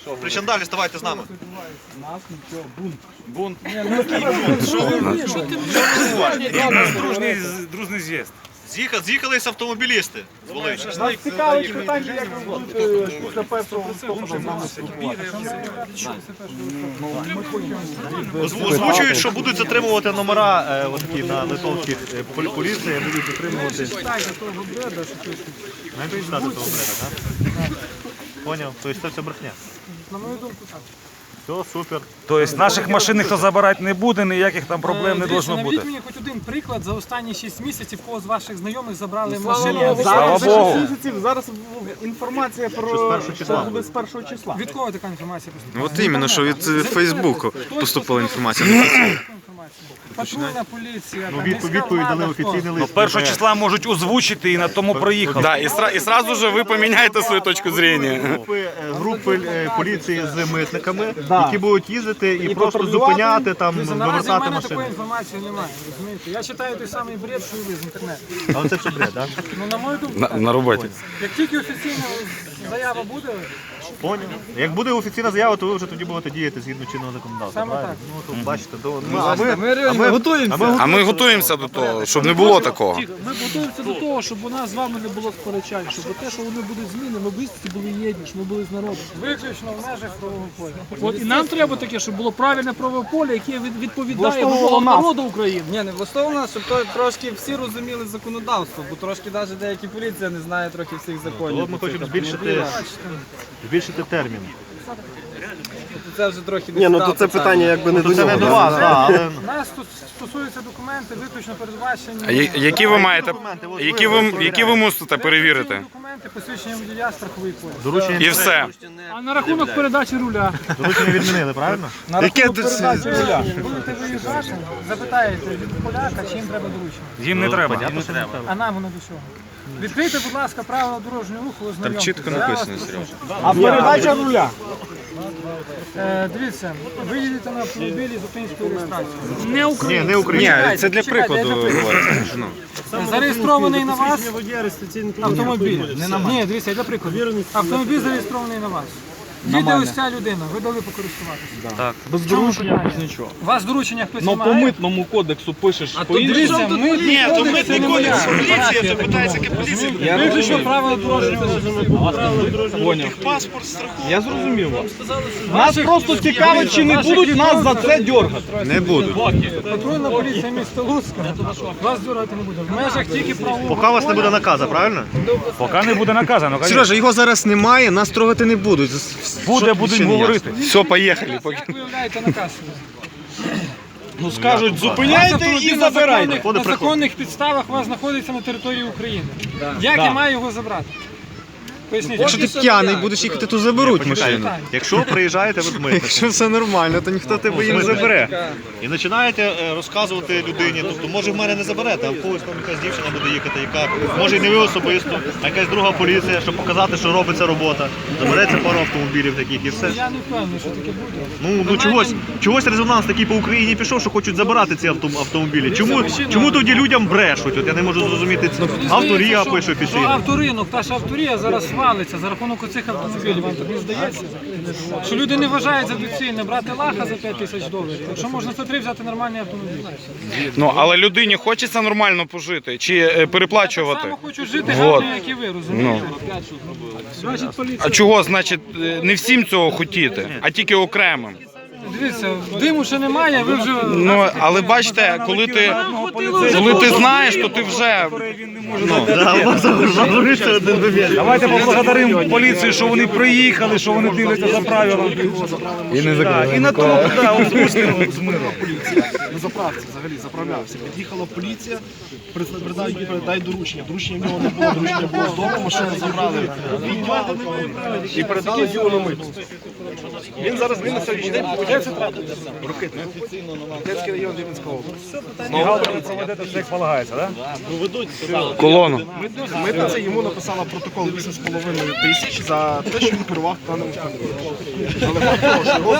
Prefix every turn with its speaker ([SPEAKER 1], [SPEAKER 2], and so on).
[SPEAKER 1] Причандалі, ставайте з нами.
[SPEAKER 2] Нас нічого, бунт.
[SPEAKER 1] Бунт.
[SPEAKER 3] Дружний з'їзд.
[SPEAKER 1] З'їхалися автомобілісти з Волині.
[SPEAKER 2] Нас цікавить питання, як ви будете після першого листопада з нами спілкуватися.
[SPEAKER 1] Озвучують, що будуть затримувати номера такі на литовських поліції, будуть затримувати.
[SPEAKER 2] Читайте того бреда, що щось.
[SPEAKER 1] Менше читати того бреда, так? Поняв? Тобто це все брехня.
[SPEAKER 2] На мою думку, так.
[SPEAKER 1] Все, супер.
[SPEAKER 3] Тобто наших машин ніхто забирати не буде, ніяких там проблем не
[SPEAKER 4] Дивіться,
[SPEAKER 3] повинно бути.
[SPEAKER 4] наведіть мені хоч один приклад за останні 6 місяців, кого з ваших знайомих забрали машину.
[SPEAKER 3] Слава Богу.
[SPEAKER 2] Зараз інформація про що буде з першого числа.
[SPEAKER 4] Від кого така інформація поступила?
[SPEAKER 5] От іменно, що від Фейсбуку поступила інформація.
[SPEAKER 4] Патрульна поліція, там,
[SPEAKER 1] Відповідь
[SPEAKER 4] міська
[SPEAKER 1] дали
[SPEAKER 4] влада,
[SPEAKER 1] офіційний лист.
[SPEAKER 3] Першого числа можуть озвучити і на тому проїхали.
[SPEAKER 5] Да, і сразу же ви поміняєте свою точку зрення.
[SPEAKER 1] Групи поліції з митниками, які будуть їздити і просто зупиняти, там,
[SPEAKER 4] Дивіться, наразі в
[SPEAKER 1] вивертати
[SPEAKER 4] мене такої
[SPEAKER 1] машини.
[SPEAKER 4] інформації немає, розумієте? Я читаю той самий бред, що і ви з інтернету.
[SPEAKER 1] Але це все бред, так?
[SPEAKER 4] Ну, на мою думку, так.
[SPEAKER 5] На роботі.
[SPEAKER 4] Як тільки офіційна заява буде,
[SPEAKER 1] Поняв. Як буде офіційна заява, то ви вже тоді будете діяти згідно чинного законодавства.
[SPEAKER 4] Саме
[SPEAKER 1] правильно?
[SPEAKER 4] так.
[SPEAKER 1] Ну, то бачите,
[SPEAKER 2] Ми готуємося.
[SPEAKER 5] А ми готуємося до того, щоб не було такого.
[SPEAKER 6] Ми готуємося до того, щоб у нас з вами не було сперечань, щоб те, що вони будуть зміни, ми близькі були єдні, щоб ми були з народом.
[SPEAKER 4] виключно в межах правового поля.
[SPEAKER 6] От і нам треба таке, щоб було правильне правове поле, яке відповідає вимогам народу України.
[SPEAKER 7] Ні, не влаштовано, щоб трошки всі розуміли законодавство, бо трошки навіть деякі поліція не знає трохи всіх законів.
[SPEAKER 1] От ми хочемо збільшити термін.
[SPEAKER 7] Це вже трохи
[SPEAKER 2] Ні, ну то це питання якби не до
[SPEAKER 1] Це не до
[SPEAKER 2] нього.
[SPEAKER 1] вас, але
[SPEAKER 4] Нас тут стосуються документи, виключно передбачені.
[SPEAKER 5] А які ви маєте, які ви мусите перевірити?
[SPEAKER 4] Документи, посвідчення водія, страховий поліс.
[SPEAKER 1] доручення,
[SPEAKER 5] І все.
[SPEAKER 6] А на рахунок передачі руля.
[SPEAKER 1] доручення відмінили, правильно?
[SPEAKER 2] Яке
[SPEAKER 4] Будете виїжджати, запитаєте від поляка, чи їм треба доручення.
[SPEAKER 3] Їм не треба.
[SPEAKER 4] А нам воно до чого? Відкрийте, будь ласка, правила дорожнього руху, ознайомтеся.
[SPEAKER 5] чітко
[SPEAKER 4] Я вас
[SPEAKER 5] написано,
[SPEAKER 4] прошу.
[SPEAKER 2] А передача руля.
[SPEAKER 4] Дивіться, ви їдете на автомобілі з українською реєстрацією.
[SPEAKER 6] Не
[SPEAKER 1] Ні,
[SPEAKER 6] Україна.
[SPEAKER 1] не Україна.
[SPEAKER 5] Це для прикладу.
[SPEAKER 4] Зареєстрований на вас автомобіль. Ні, дивіться, для прикладу. Автомобіль зареєстрований на вас. Їде ось ця людина, ви дали покористуватися.
[SPEAKER 2] Без доручення, без нічого.
[SPEAKER 4] У вас доручення хтось
[SPEAKER 2] Ну по
[SPEAKER 4] вимагає?
[SPEAKER 2] митному кодексу пишеш
[SPEAKER 4] Дивіться, митний кодекс,
[SPEAKER 1] Поліція, це питається, яка поліція.
[SPEAKER 4] виключно правила дорожнього руху.
[SPEAKER 2] Поняв. Я зрозумів вас. Нас просто цікавить, чи не будуть нас за це дергати.
[SPEAKER 5] Не буду.
[SPEAKER 4] Патрульна поліція міста Луцька вас дергати не буде. В межах тільки правового
[SPEAKER 1] Поки у вас не буде наказу, правильно?
[SPEAKER 3] Поки не буде наказано.
[SPEAKER 5] Сережа, його зараз немає, нас трогати не будуть.
[SPEAKER 3] Будемо говорити.
[SPEAKER 5] Все, поїхали.
[SPEAKER 4] Як виявляєте наказ?
[SPEAKER 2] Ну скажуть, зупиняйте і забирайте.
[SPEAKER 4] На законних підставах у вас знаходиться на території України. Як я маю його забрати? Поясніть.
[SPEAKER 5] Якщо ти п'яний будеш їхати, то заберуть машину.
[SPEAKER 4] Питання.
[SPEAKER 1] Якщо приїжджаєте ви з митника
[SPEAKER 5] Якщо все нормально, то ніхто тебе і не забере.
[SPEAKER 1] і починаєте розказувати людині, тобто може в мене не заберете, а в когось там якась дівчина буде їхати, яка може і не ви особисто, а якась друга поліція, щоб показати, що робиться робота. Забереться пару автомобілів таких і все.
[SPEAKER 4] Я не впевнений, що таке буде.
[SPEAKER 1] Ну чогось резонанс такий по Україні пішов, що хочуть забирати ці автомобілі. Чому тоді людям брешуть? От я не можу зрозуміти. Авторія пише офіційно.
[SPEAKER 4] Авторинок, та ж авторія зараз валиться за рахунок оцих автомобілів. Вам так не здається? Що люди не вважають за доцільне брати лаха за 5 тисяч доларів. Якщо можна за 3 взяти нормальний автомобіль.
[SPEAKER 5] Ну, але людині хочеться нормально пожити чи переплачувати.
[SPEAKER 4] Саме хочу жити
[SPEAKER 5] Вот.
[SPEAKER 4] гарно, як і ви, розумієте?
[SPEAKER 5] А чого, значить, не всім цього хотіти, а тільки окремим?
[SPEAKER 4] Дивіться, диму ще немає, ви вже...
[SPEAKER 5] Ну, але бачите, коли ти знаєш, то ти вже...
[SPEAKER 3] Давайте поблагодаримо поліцію, що вони приїхали, що вони дивляться за правилами. І на тому спустимо з миром.
[SPEAKER 2] На заправці взагалі заправлявся. Під'їхала поліція, передай доручення. Доручення в нього не було, доручення було з дому, машину забрали і передали його на миту. Він зараз на сьогоднішній день Рокитне. Рокитський район Рівненського області.
[SPEAKER 3] Проведете все як полагається, так?
[SPEAKER 5] Колону.
[SPEAKER 2] Митниця йому написала протокол 8,5 тисяч за те, що він керував даним автомобілем. Але факт того, що його